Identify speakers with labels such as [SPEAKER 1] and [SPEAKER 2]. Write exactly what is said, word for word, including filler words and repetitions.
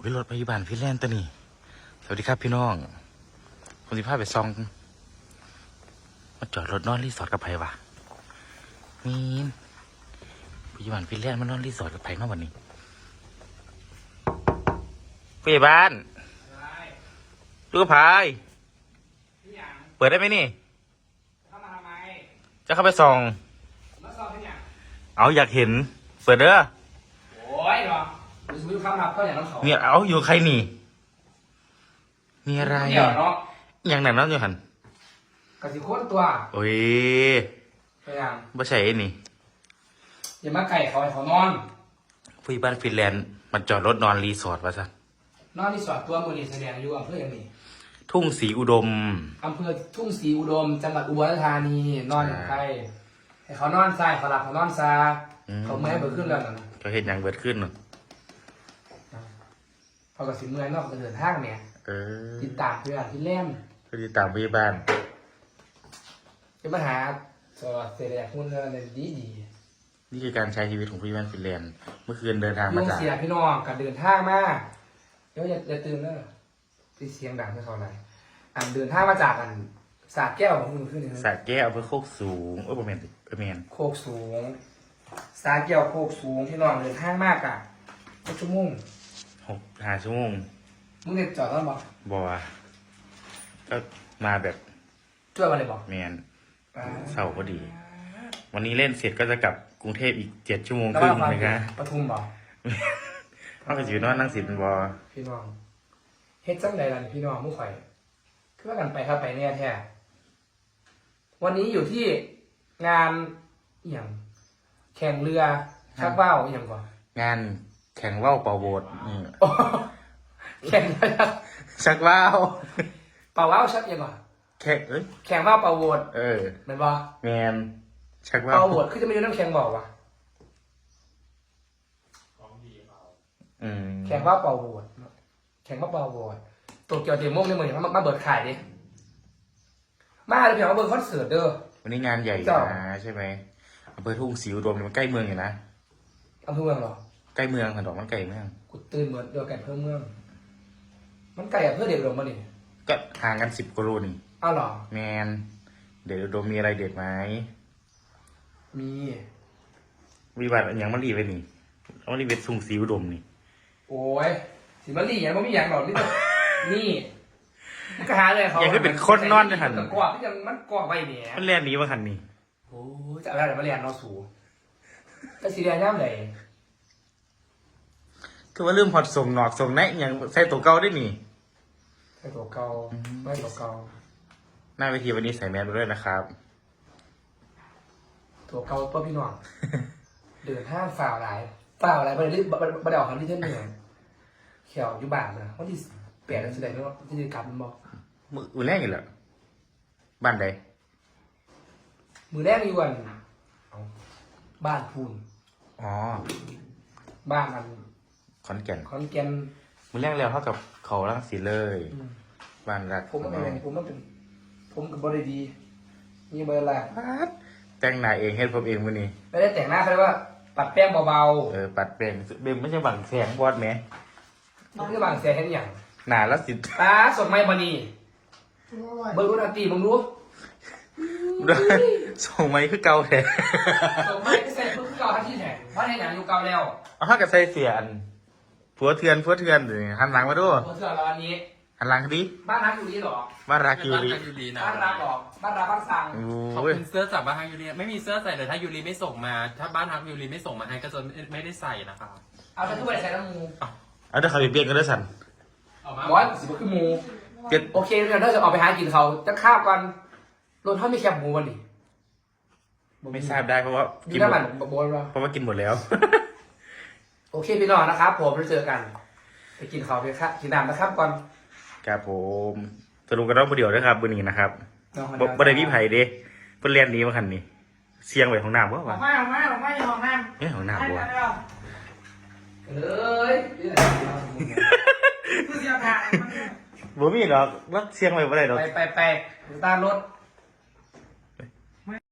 [SPEAKER 1] วิรถพยาบาลฟินแลนด์ตัวนี้สวัสดีครับพี่น้องผมสิพาไปซองมาจอดรถนอนรีสอร์ทกับไผ่วะมีพยาบาลฟินแลนด์มานอนรีสอร์ทกับไผ่มาวันนี้พยาบาลดูกับไผ่เปิดได้ไหมนี่เข้ามาทำไมจะเข้าไปส่องมาส่องเป็นอย่างเอาอยากเห็นเปิดเด้อโอ้ยหรอดูสิคำนับก็อย่างนั้นเขาเนี่ยเอาอยู่ใครนี่มีอะไรเนาะอย่างนั้นเนาะอยู่หันกะสิโคตรตัวโอ้ยไปยังบ่ใช่นี่อย่ามาไก่เขาให้เขานอนผู้ใหญ่บ้านฟินแลนด์มันจอดรถนอนรีสอร์ทวะซะนอนรีสอร์ทตัวมือนี่แสดงอยู่อำเภออย่างนี้ทุ่งศรีอุดมอำเภอทุ่งศรีอุดมจังหวัดอุบลราชธานีนอนใครให้เขานอนทรายเขาหลับเขานอนซาเขาเมื่อยเบิดขึ้นแล้วนะเขาเห็นอย่างเบิดขึ้นเนาะพอกับสิเมื่อยนอกจะเดินทางเนี่ยติดตามเพื่อนที่เล่นติดตามพยาบาลจะมาหาสอดเสด็จหุ้นอะไรดีดีนี่คือการใช้ชีวิตของพยาบาลฟินแลนด์เมื่อคืนเดินทางมาจากเสียพี่น้องการเดินทางมาเดี๋ยวอย่าอย่าตื่นเนอะที่เสียงดังที่เขาอะไรอันเดินทางมาจากอันสาแก้วของคุณขึ้นนี่สาแก้วเพื่อโคกสูงเออประมาณประมาณโคกสูงสาแก้วโคกสูงพี่น้องเดินทางมากอ่ะหกชั่วโมงหกห้าชั่วโมงมึงเด็ดจอดแล้วบอกบอกว่าก็มาแบบช่วยมาเลยบอกแมนเสาร์พอดีวันนี้เล่นเสร็จก็จะกลับกรุงเทพอีกเจ็ดชั่วโมงครึ่งนะครับปทุมบอกนอกจากอยู่นอนนั่งสิบเป็นบอพี่น้องเฮ็ดจังใดล่ะพี่น้องมุ้งข่อยคือว่ากันไปครับไปเนี่ยแท้วันนี้อยู่ที่งานอย่างแข่งเรือชักว่าวอย่างก่อนงานแข่งว่าวเป่าโบสนี่แข่งชักว่าวเป่าว่าวชักยังก่อนแข่งเอ้ยแข่งว่าวเป่าโบสเออแม่นบ่แมนชักว่าวเป่าโบสคือจะไม่รู้น้ำแข็งบอกว่ะแข่งว่าวเป่าโบสแข่งว่าวเป่าโบสโตเกียวเดโมงในเมืองมามาเบิดขายดิมาเลยเพียงว่าเบิร์คอนเสิร์ตเด้อวันนี้งานใหญ่นะใช่ไหมอำเภอทุ่งศรีอุดมมันใกล้เมืองอยู่นะอำเภอเมืองหรอใกล้เมืองค่ะดอกมันไก่เมืองกูตื่นเหมือนเดียวกันเพิ่มเมืองมันไก่อำเภอเดชอุดมมาดิก็ห่างกันสิบกิโลนี่อ้าวหรอแมนเดชอุดมมีอะไรเด็ดไหมมีวิบัติอย่างมันรีไปนี่มันรีเป็นทุ่งศรีอุดมนี่โอ้ยสิมันรีอย่างมันไม่อย่างหรอกนี่นี่มันก็หาเลยเขาอย่างที่เป็นคนนอนในหันกว่าที่ยังมันกว่าไปเนี่ยมันเรียนนี้ว่าหันนี่โอ้จะอะไรมาเรียนนอสูจะสีแดงย่ำไหนคือว่าเรื่องพอดส่งหนอกส่งแนะอย่างใส่ตัวเก่าได้นี่ใส่ตัวเก่าไม่ตัวเก่าหน้าเวทีวันนี้ใส่แมสไปด้วยนะครับตัวเก่าตัวพี่น้องเดินห้างฝ่าอะไรฝ่าอะไรบันไดบันไดออกคำที่เท่าเหนื่อยเขียวอยู่บ้านนะวันที่แปดแสดงว่าที่จะกลับมันบอกมือแรกอยู่เหรอบ้านใดมือแรกอยู่วันบ้านพูนอ๋อบ้านมันขอนแก่นขอนแก่นมือแรกแล้วเท่ากับเขาลังสีเลยบ้านรักผมเองผมต้องเป็นผมกับบริดีมีเบอร์ละแต่งหน้าเองเฮ็ดผมเองวันนี้ไม่ได้แต่งหน้าเขาเรียกว่าปัดแป้งเบาๆเออปัดแป้งเบมไม่ใช่บังแสงบอดไหมไม่ใช่บังแสงเห็นอย่างหนาแล้วสิตาสดไม่บานีเบอร์รุ่นอาตีมึงรู้ส่งไม้คือเก่าแท้ส่งไม้คือใส่คือเก่าทันทีแท้เพราะในหนังอยู่เก่าแล้วเอาถ้ากับใส่เสียนผัวเถื่อนผัวเถื่อนหันหลังมาด้วยผัวเถื่อนแล้วอันนี้หันหลังดิบ้านรักอยู่นี่หรอบ้านรักอยู่นี่บ้านรักหรอบ้านรักบ้านสังเขาเป็นเสื้อจากบ้านฮักยูรีไม่มีเสื้อใส่แต่ถ้ายูรีไม่ส่งมาถ้าบ้านฮักยูรีไม่ส่งมาให้ก็จะไม่ได้ใส่นะครับเอาไปทุกใบใส่น้ำมูเอาเดี๋ยวเขาไปเปลี่ยนกันด้วยสันบอสสิบคือหมูโอเคเดี๋ยวเราจะออกไปหากินเขาจะข้าวกันรถท่ามีแคบหมูวันนี้ไม่ทราบได้เพราะว่ากินหมดเพราะว่ากินหมดแล้วโอเคพี่น้องนะครับผมเราเจอกันไปกินข้าวไปครับกินน้ำนะครับก่อนครับผมสรุปกันรอบเดียวนะครับวันนี้นะครับบันไดพี่ไผ่เด้เพื่อนเรียนนี้มาคันนี้เสียงไว้ของน้ำวะวะไม่ไม่ไม่ของน้ำไม่ของน้ำวะเอ้ยคือเสียงผ่านบ่มีหรอกรถเสียงไว้บ่ได้หรอกไปไปไปตามรถ